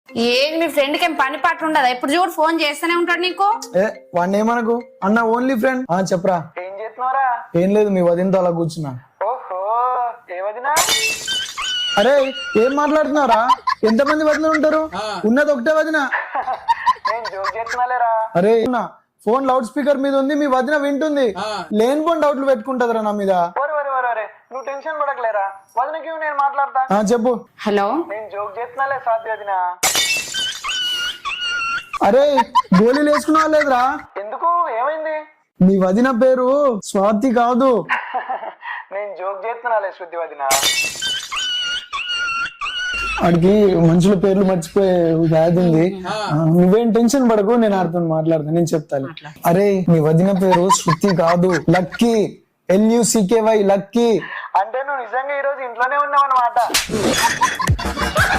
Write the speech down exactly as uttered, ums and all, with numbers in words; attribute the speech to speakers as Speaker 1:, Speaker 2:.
Speaker 1: ఏది మీ ఫ్రెండ్ కి ఏం పని పాటు ఉండదా? ఇప్పుడు చూడు ఫోన్ చేస్తూనే ఉంటాడు నీకు.
Speaker 2: ఏ వాడిని ఏమనకు అన్న, ఓన్లీ ఫ్రెండ్. ఆ చెప్పరా.
Speaker 3: ఏం చేస్తున్నారా?
Speaker 2: ఏం లేదు, మీ వదినతో అలా కూర్చున్నా.
Speaker 3: ఓహో, ఏ వదినా?
Speaker 2: అరే ఏం మాట్లాడుతున్నారా? ఎంతమంది వదిన ఉంటారు? ఉన్నది ఒకటే వదిన.
Speaker 3: నేను జోక్ చేస్తున్నాలేరా.
Speaker 2: అరే ఫోన్ లౌడ్ స్పీకర్ మీద ఉంది, మీ వదిన వింటుంది. లేని ఫోన్ డౌట్లు పెట్టుకుంటదిరా నా మీద.
Speaker 3: ఒరే ఒరే ఒరే ఒరే, నువ్వు టెన్షన్ పడకలేరా, వదినకి నేను మాట్లాడతా.
Speaker 2: ఆ చెప్పు.
Speaker 1: హలో,
Speaker 3: నేను జోక్ చేస్తున్నాలే సాధ్య వదినా.
Speaker 2: అరే గోళీలు వేసుకున్నావా లేదురా?
Speaker 3: ఎందుకు, ఏమైంది?
Speaker 2: మీ వదిన పేరు స్వాతి కాదు.
Speaker 3: నేను జోక్ చేస్తున్నాలే శృతి వదినా.
Speaker 2: వాడికి మనుషుల పేర్లు మర్చిపోయే వ్యాధి ఉంది. నువ్వేం టెన్షన్ పడకు, నేను ఆడుతాను మాట్లాడతాను, నేను చెప్తాను. అరే మీ వదిన పేరు శృతి కాదు, లక్కీ. L U C K Y, lucky.
Speaker 3: అంటే నువ్వు నిజంగా ఈ రోజు ఇంట్లోనే ఉన్నావు అన్నమాట.